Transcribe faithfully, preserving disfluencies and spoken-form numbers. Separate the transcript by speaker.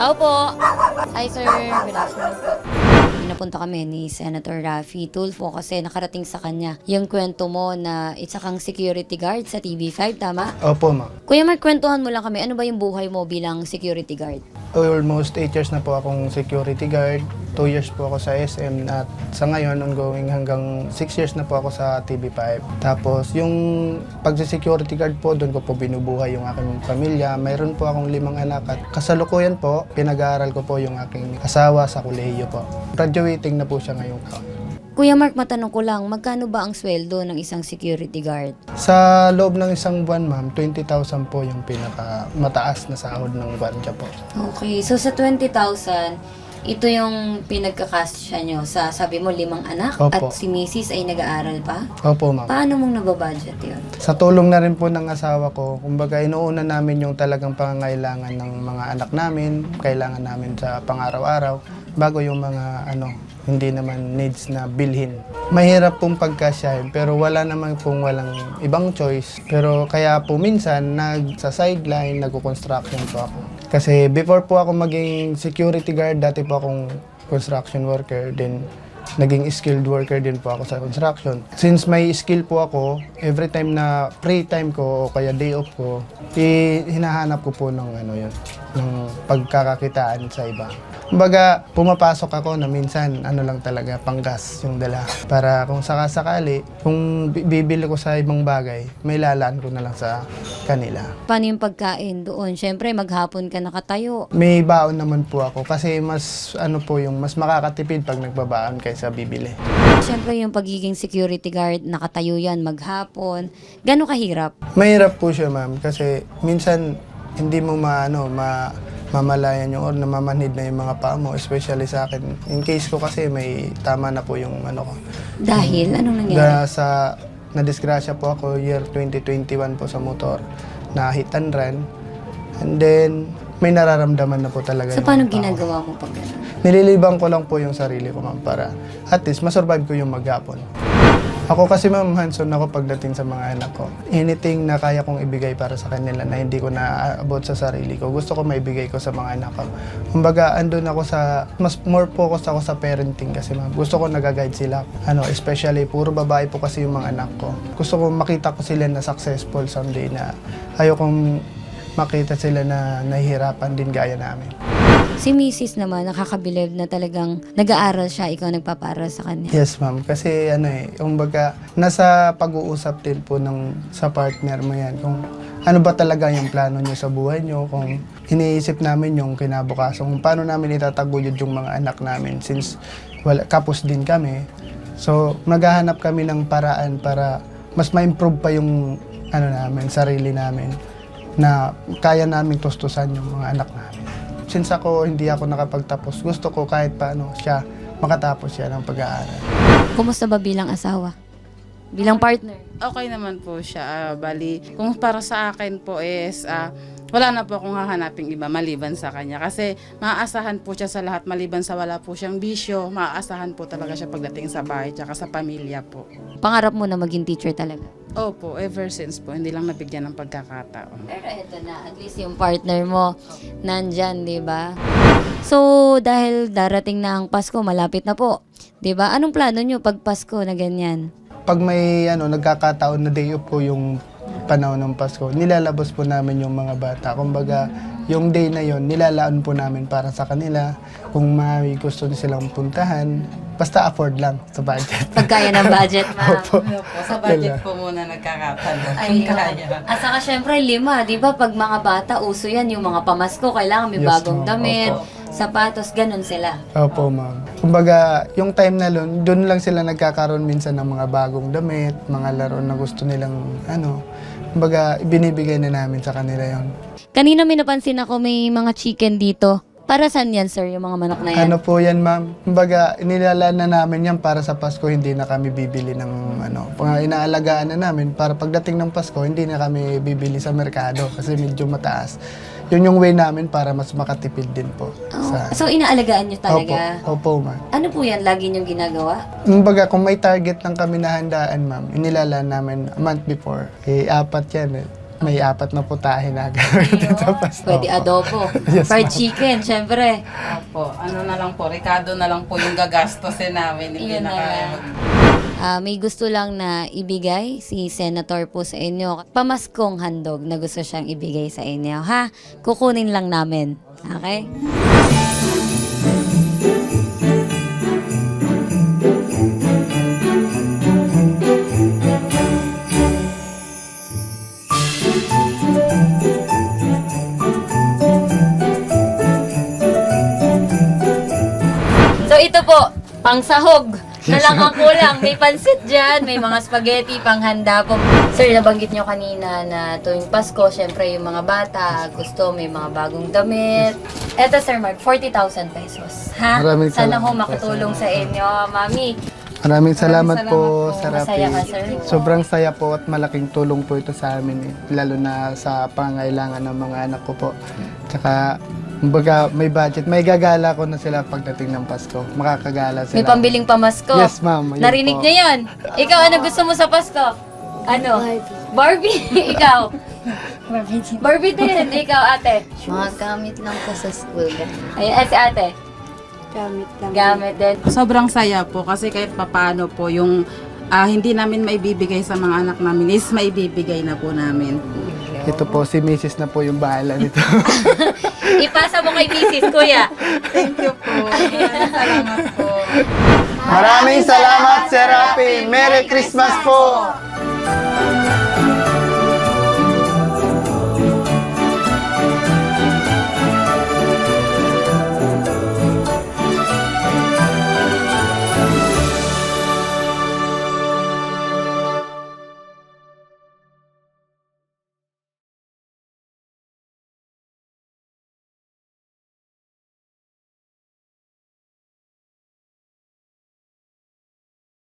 Speaker 1: Tao po. Hi, sir. Good afternoon po. Pinapunta kami ni Senator Raffy Tulfo kasi nakarating sa kanya yung kwento mo na isa kang security guard sa T V five, tama?
Speaker 2: Opo, ma'am.
Speaker 1: Kuya Mark, kwentuhan mo lang kami. Ano ba yung buhay mo bilang security guard?
Speaker 2: Almost eight years na po akong security guard. two years po ako sa S M at sa ngayon ongoing hanggang six years na po ako sa T V five. Tapos yung pagsi-security guard po, doon ko po binubuhay yung aking pamilya. Mayroon po akong limang anak at kasalukuyan po, pinag-aaral ko po yung aking asawa sa kolehiyo po. Graduating na po siya ngayong taon.
Speaker 1: Kuya Mark, matanong ko lang, magkano ba ang sweldo ng isang security guard?
Speaker 2: Sa loob ng isang buwan, ma'am, twenty thousand po yung pinaka mataas na sahod ng gwardiya po.
Speaker 1: Okay, so sa twenty thousand, ito yung pinagkakasya nyo sa, sabi mo, limang anak?
Speaker 2: Opo.
Speaker 1: At si Missus ay nag-aaral pa?
Speaker 2: Opo, ma'am.
Speaker 1: Paano mong nababudget yun?
Speaker 2: Sa tulong na rin po ng asawa ko, kumbaga inuuna namin yung talagang pangangailangan ng mga anak namin, kailangan namin sa pang-araw-araw, bago yung mga ano, hindi naman needs na bilhin. Mahirap pong pagkasyahin pero wala naman pong walang ibang choice. Pero kaya po minsan nag sa sideline, nagko-construction po ako. Kasi before po ako maging security guard, dati po akong construction worker, then naging skilled worker din po ako sa construction. Since may skill po ako, every time na free time ko o kaya day off ko, i- hinahanap ko po ng ano yun, ng pagkakakitaan sa iba. Kumbaga, pumapasok ako na minsan, ano lang talaga, panggas yung dala. Para kung sakasakali, kung bi- bibili ko sa ibang bagay, may lalaan ko na lang sa kanila.
Speaker 1: Paano yung pagkain doon? Siyempre, maghapon ka nakatayo.
Speaker 2: May baon naman po ako kasi mas, ano po yung, mas makakatipid pag nagbabaon kaysa bibili.
Speaker 1: Siyempre, yung pagiging security guard, nakatayo yan maghapon. Gano'ng kahirap?
Speaker 2: Mahirap po siya, ma'am, kasi minsan hindi mo maano, ma mamalayan yung or namamanhid na yung mga paa mo, especially sa akin. In case ko kasi may tama na po yung ano ko.
Speaker 1: Dahil? Anong nangyari?
Speaker 2: Da, sa nadisgrasya po ako year twenty twenty-one po sa motor na hit and run. And then may nararamdaman na po talaga
Speaker 1: So,
Speaker 2: yung
Speaker 1: paano
Speaker 2: paa ko.
Speaker 1: ginagawa mo pag gano'n?
Speaker 2: Nililibang ko lang po yung sarili ko, ma'am, para at least masurvive ko yung maghapon. Ako kasi, ma'am, hands-on ako pagdating sa mga anak ko. Anything na kaya kong ibigay para sa kanila na hindi ko naaabot sa sarili ko, gusto ko maibigay ko sa mga anak ko. Kumbaga, andun ako sa, mas more focus ako sa parenting kasi, ma'am. Gusto ko nag-guide sila. Ano, especially, puro babae po kasi yung mga anak ko. Gusto ko makita ko sila na successful someday na ayokong makita sila na nahihirapan din gaya namin.
Speaker 1: Si Missus naman, nakakabilib na talagang nag-aaral siya, ikaw nagpapaaral sa kanya.
Speaker 2: Yes, ma'am. Kasi ano eh, kumbaga, nasa pag-uusap din po ng, sa partner mo yan. Kung ano ba talaga yung plano niyo sa buhay niyo, kung iniisip namin yung kinabukasan, kung paano namin itataguyod yung mga anak namin since wala, kapos din kami. So, maghahanap kami ng paraan para mas ma-improve pa yung ano namin, sarili namin na kaya naming tustusan yung mga anak namin. Since ako hindi ako nakapagtapos, gusto ko kahit paano siya makatapos siya ng pag-aaral.
Speaker 1: Kumusta ba bilang asawa? Bilang partner?
Speaker 3: Okay naman po siya. Ah, bali, kung para sa akin po is, ah, wala na po akong hahanaping iba maliban sa kanya. Kasi maaasahan po siya sa lahat, maliban sa wala po siyang bisyo, maaasahan po talaga siya pagdating sa bahay tsaka sa pamilya po.
Speaker 1: Pangarap mo na maging teacher talaga?
Speaker 3: Opo, ever since po, hindi lang nabigyan ng pagkakataon.
Speaker 1: Pero eto na, at least yung partner mo nandyan, di ba? So, dahil darating na ang Pasko, malapit na po, di ba? Anong plano nyo pag Pasko na ganyan?
Speaker 2: Pag may ano, nagkakataon na day off po yung panahon ng Pasko, nilalabas po namin yung mga bata. Kumbaga, yung day na yon nilalaan po namin para sa kanila. Kung may gusto silang puntahan, basta afford lang sa budget.
Speaker 1: Pagkaya ng budget, ma'am.
Speaker 2: Opo.
Speaker 3: Sa budget po muna nagkakatalo.
Speaker 1: Ay, At saka syempre lima, di ba? Pag mga bata, uso yan, yung mga pamasko, kailangan may
Speaker 2: Yes,
Speaker 1: bagong
Speaker 2: ma'am.
Speaker 1: damit,
Speaker 2: Opo.
Speaker 1: sapatos, ganun sila.
Speaker 2: Opo, ma'am. Kumbaga, yung time na lun, doon lang sila nagkakaroon minsan ng mga bagong damit, mga laro na gusto nilang, ano, kumbaga, binibigay na namin sa kanila yon.
Speaker 1: Kanina may napansin ako may mga chicken dito. Para saan yan, sir, yung mga manok na yan?
Speaker 2: Ano po yan, ma'am? Kumbaga, inilalaan na namin yan para sa Pasko, hindi na kami bibili ng ano. Pag inaalagaan na namin, para pagdating ng Pasko, hindi na kami bibili sa merkado kasi medyo mataas. Yun yung way namin para mas makatipid din po.
Speaker 1: Oh,
Speaker 2: Sa,
Speaker 1: so, inaalagaan nyo talaga?
Speaker 2: Opo, opo, ma'am.
Speaker 1: Ano po yan? Lagi nyong ginagawa?
Speaker 2: Kumbaga, kung may target lang kami na handaan, ma'am, inilalaan namin a month before. Eh, apat yan eh. May apat na putahe na gagawin dito.
Speaker 1: Pwede adobo.
Speaker 2: Yes,
Speaker 1: Fried
Speaker 2: ma'am.
Speaker 1: chicken, syempre.
Speaker 3: Opo, ano na lang po, Ricardo na lang po yung gagastosin namin. Hindi
Speaker 1: Yun
Speaker 3: na
Speaker 1: na
Speaker 3: kaya
Speaker 1: lang. Ah, may gusto lang na ibigay si Senator po sa inyo. Pamaskong handog na gusto siyang ibigay sa inyo, ha? Kukunin lang namin. Okay? So ito po, pangsahog. Na lang ang kulang. May pansit dyan, may mga spaghetti, panghanda po. Sir, nabanggit nyo kanina na tuwing Pasko, syempre yung mga bata, gusto may mga bagong damit. Eto Sir Mark, forty thousand pesos. Ha?
Speaker 2: Maraming
Speaker 1: Sana ho
Speaker 2: salamat po,
Speaker 1: makatulong sa inyo, Mami.
Speaker 2: Maraming salamat,
Speaker 3: salamat
Speaker 2: po,
Speaker 3: po.
Speaker 2: Sir Rafi.
Speaker 1: Masaya ka, sir?
Speaker 2: Sobrang saya po at malaking tulong po ito sa amin, eh. Lalo na sa pangailangan ng mga anak ko po. Tsaka, kumbaga, may budget. May gagala ko na sila pagdating ng Pasko. Makakagala sila.
Speaker 1: May pambiling pamasko.
Speaker 2: Yes, ma'am. Yun
Speaker 1: Narinig
Speaker 2: po.
Speaker 1: niyo yun? Ikaw, ano gusto mo sa Pasko? Ano? Barbie. Ikaw?
Speaker 4: Barbie.
Speaker 1: Barbie din. Ikaw, ate?
Speaker 4: Mga gamit lang po sa school.
Speaker 1: Ayan, si ate.
Speaker 4: Gamit lang.
Speaker 1: Gamit din.
Speaker 3: Sobrang saya po kasi kahit papaano po yung ah, hindi namin maibibigay sa mga anak namin is maibibigay na po namin.
Speaker 2: Ito po, si Missus na po yung bahala nito.
Speaker 1: Ipasa mo kay Missus Kuya.
Speaker 3: Thank you po. Maraming salamat po.
Speaker 2: Maraming salamat, Sir Rafi. Merry Christmas po!